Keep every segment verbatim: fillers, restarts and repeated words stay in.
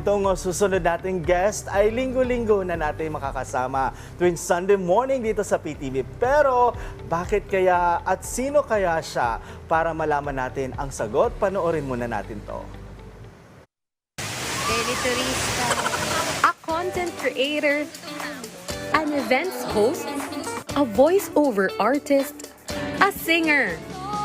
itong susunod nating guest ay linggo-linggo na natin makakasama tuwing Sunday morning dito sa P T V. Pero bakit kaya at sino kaya siya? Para malaman natin ang sagot, panoorin muna natin to. Daily Turista. A content creator, an events host, a voice-over artist, a singer.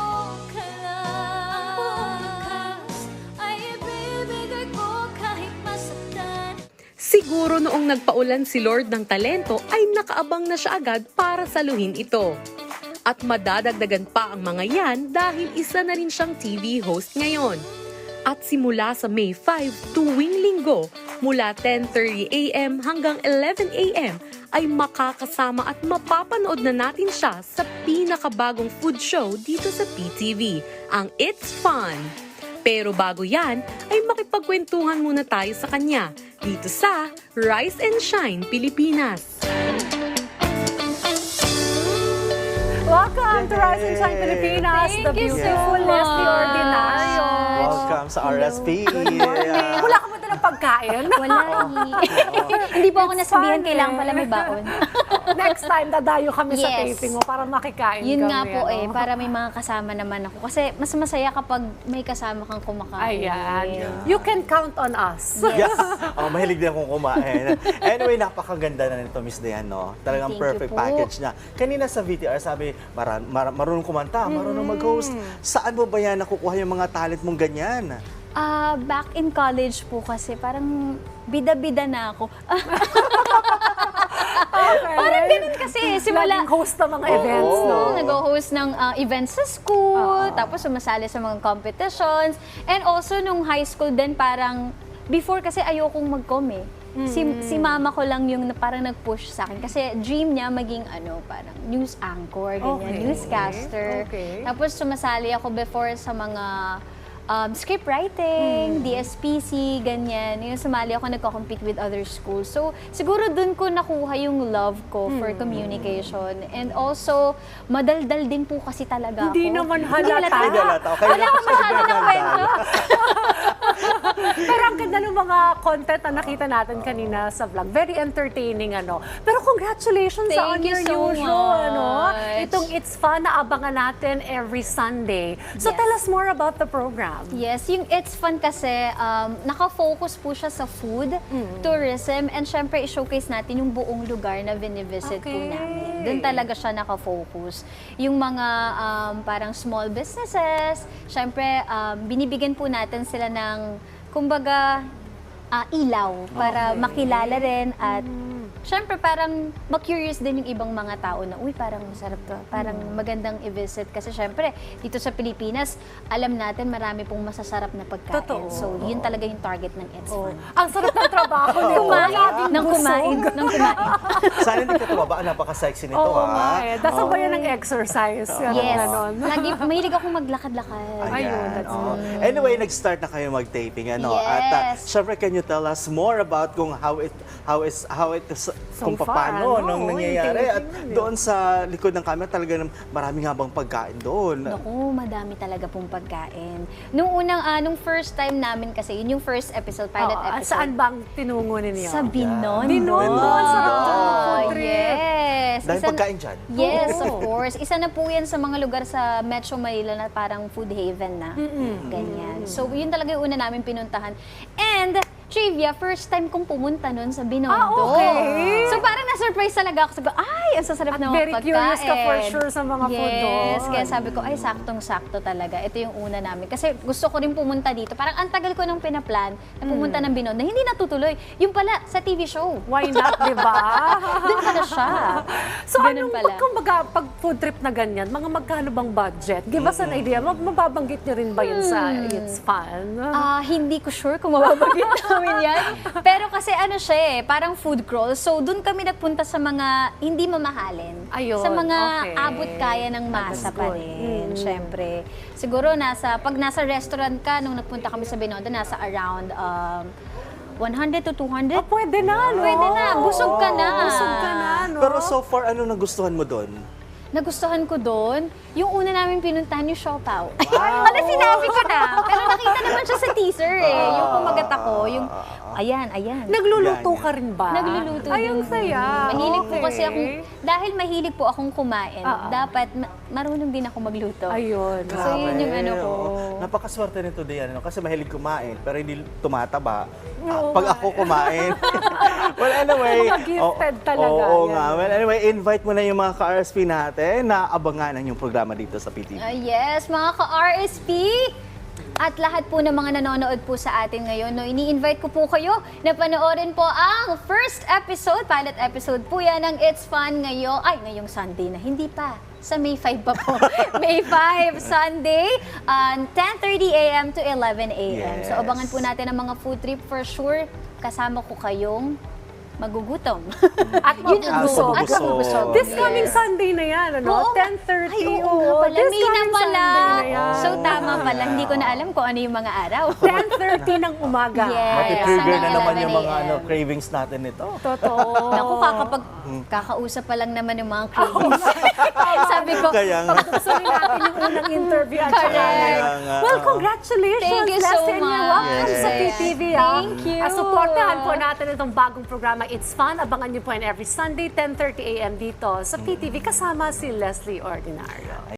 Siguro noong nagpaulan si Lord ng talento ay nakaabang na siya agad para saluhin ito. At madadagdagan pa ang mga yan dahil isa na rin siyang T V host ngayon. At simula sa May five tuwing linggo, mula ten thirty a m hanggang eleven a m ay makakasama at mapapanood na natin siya sa pinakabagong food show dito sa P T V, ang It's Fun. Pero bago yan, ay makipagkwentuhan muna tayo sa kanya dito sa Rise and Shine Pilipinas. Welcome to Rise and Shine Pilipinas, Thank the you so beautiful Leslie much. Ordinario. Welcome sa R S P. Wala ka ba ito ng pagkain? Wala eh. Hindi po ako nasabihan, fun, kailangan eh. pala may baon. Next time, dadayo kami sa Yes. taping mo para makikain Yun kami. nga po eh, ano? para may mga kasama naman ako. Kasi mas masaya kapag may kasama kang kumakain. Ayan. You can count on us. Yes. Oh, mahilig din akong kumain. Anyway, napakaganda na nito, Miss Dayan, no? Talagang Thank you perfect po. package niya. Kanina sa V T R, sabi, mar mar marunong kumanta, marunong mag-host. Saan mo ba yan nakukuha yung mga talent mong ganyan? Ah, back in college po kasi parang bida-bida na ako. Okay. Parang ganun kasi, simula. Laging host ng mga events, Oo. no? Nag-host ng uh, events sa school, Oo. tapos sumasali sa mga competitions. And also, nung high school din, parang, before kasi ayokong mag-com eh. Si, si mama ko lang yung na- parang nag-push sa akin. Kasi dream niya maging ano, parang news anchor, ganyan, Okay. newscaster. Okay. Tapos sumasali ako before sa mga um, script writing, D S P C, ganyan. Yung sumali ako, nagko-compete with other schools. So, siguro dun ko nakuha yung love ko for communication. And also, madaldal din po kasi talaga Hindi ako. naman Hindi halata. Hindi halata. Okay Wala lang ko kasi masyado ng nagdadal. kwento. Pero ang ganda ng mga content na nakita natin kanina sa vlog. Very entertaining, ano. Pero congratulations Thank on you your so new show, ano. much. Itong It's Fun na abangan natin every Sunday. So Yes. tell us more about the program. Yes, yung It's Fun kasi, um, nakafocus po siya sa food, tourism, and syempre i-showcase natin yung buong lugar na binivisit po Okay. namin. Doon talaga siya nakafocus. Yung mga um, parang small businesses, syempre um, binibigyan po natin sila ng, kumbaga, ah, ilaw para makilala rin at syempre parang ma-curious din yung ibang mga tao na, uy, parang masarap to, parang magandang i-visit. Kasi syempre, dito sa Pilipinas, alam natin marami pong masasarap na pagkain. Totoo. So, yun talaga yung target ng It's Oh. Fun. Ang sarap ng trabaho nito. Kumain, Laging nang busog. kumain, nang kumain. Sana hindi ka tumaba. Napaka-sexy nito, Oo ha? nga eh. Dasal ba yan ng exercise? Yan, Yes. ganon. Lagi, mahilig akong maglakad-lakad. Ayun, that's oo. Anyway, nag-start na kayo mag-taping, ano? Yes. At uh, syempre, can you tell us more about kung how it how is how it is, So kung far, paano ano? nung Yung nangyayari at taping yun eh. doon sa likod ng camera talaga nam- maraming habang pagkain doon. Naku, madami talaga pong pagkain. Nung unang, ah, nung first time namin kasi, yun yung first episode, pilot Oo, episode. saan bang tinungo ninyo? Sa Binondo. Binondo, ang sarap dyan, food trip. Yes. Dahil Isa- pagkain dyan. Yes, Oo. of course. Isa na po yan sa mga lugar sa Metro Manila na parang food haven na. Ganyan. So, yun talaga yung una namin pinuntahan. And, trivia, first time kong pumunta nun sa Binondo. Ah, okay. So, parang na-surprise talaga ako. Sabi ko, ay, ang sasarap At ng mga very pagkain. curious ka for sure sa mga food Yes, doon. kaya sabi ko, ay, saktong-sakto talaga. Ito yung una namin. Kasi gusto ko rin pumunta dito. Parang ang tagal ko nang pinaplan na pumunta ng Binondo. Hindi natutuloy. Yung pala, sa T V show. Why not, di ba? Doon pala siya. So Ganun anong, pala. pag, kumbaga, pag food trip na ganyan, mga magkano bang budget? Give us an idea. Mab- Mababanggit nyo rin ba yun sa It's Fun? Ah, hindi ko sure kung mababagit namin yan. Pero kasi ano siya eh, parang food crawl. So, doon kami nagpunta sa mga hindi mamahalin. Ayun, Sa mga okay. abot kaya ng masa That's pa good. rin, syempre. Siguro, nasa, pag nasa restaurant ka, nung nagpunta kami sa Binondo, nasa around um, one hundred to two hundred. Ah, pwede na, no? Pwede na, busog ka na. Busog ka na, no? Pero so far, ano nagustuhan mo doon? Nagustuhan ko doon, yung una namin pinuntahan yung Siopaw. Wow. Wala, sinabi ko na. Pero nakita naman siya sa teaser eh. Yung kumagat ako, yung Ayan, ayan. Nagluluto Yan, yan. ka rin ba? Nagluluto Ay, ang din. saya. Mahilig po Okay. kasi akong, dahil mahilig po akong kumain, Oo. dapat ma- marunong din ako magluto. Ayun. So, yun yung ano ko. oo. Napakaswerte nito Dian, ano? Kasi mahilig kumain, pero hindi tumataba. Ah, Oo pag nga. ako kumain. Well, anyway. Mga gifted oo- talaga Oo yan. nga. Well, anyway, invite mo na yung mga ka-R S P natin na abangan ang yung programa dito sa P T V. Ah, yes, mga ka-R S P! At lahat po ng mga nanonood po sa atin ngayon, no, ini-invite ko po kayo na panoorin po ang first episode, pilot episode po yan ng It's Fun ngayon, ay, ngayong Sunday na, hindi pa. Sa May five pa po. May five, Sunday, um, ten thirty a m to eleven a m So, Yes. abangan po natin ang mga food trip for sure. Kasama ko kayong magugutom. At Yun ang mabusog. gusto. At mabusog. This Yes. coming Sunday na yan, ano? Oo. ten thirty. Ay, oo nga pala. This May na coming pala. Sunday na yan. So, tama pala. Hindi ko na alam kung ano yung mga araw. ten thirty ng umaga. Yes. Matitrigger na Hanggang naman yung eleven mga a m. ano, cravings natin nito. Totoo. Naku, kakapag kakausap pa lang naman yung mga cravings. Sabi ko, Kaya nga. Gustuhin natin yung unang interview at saka Correct. ngayon. Kaya nga, Well, oo. congratulations, Thank you so Leslie, and you're much. welcome Yes. sa P T V. ah. Thank you. Ah, supportahan po natin itong bagong programa, It's Fun. Abangan niyo po yan every Sunday, ten thirty a m dito sa P T V kasama si Leslie Ordinario.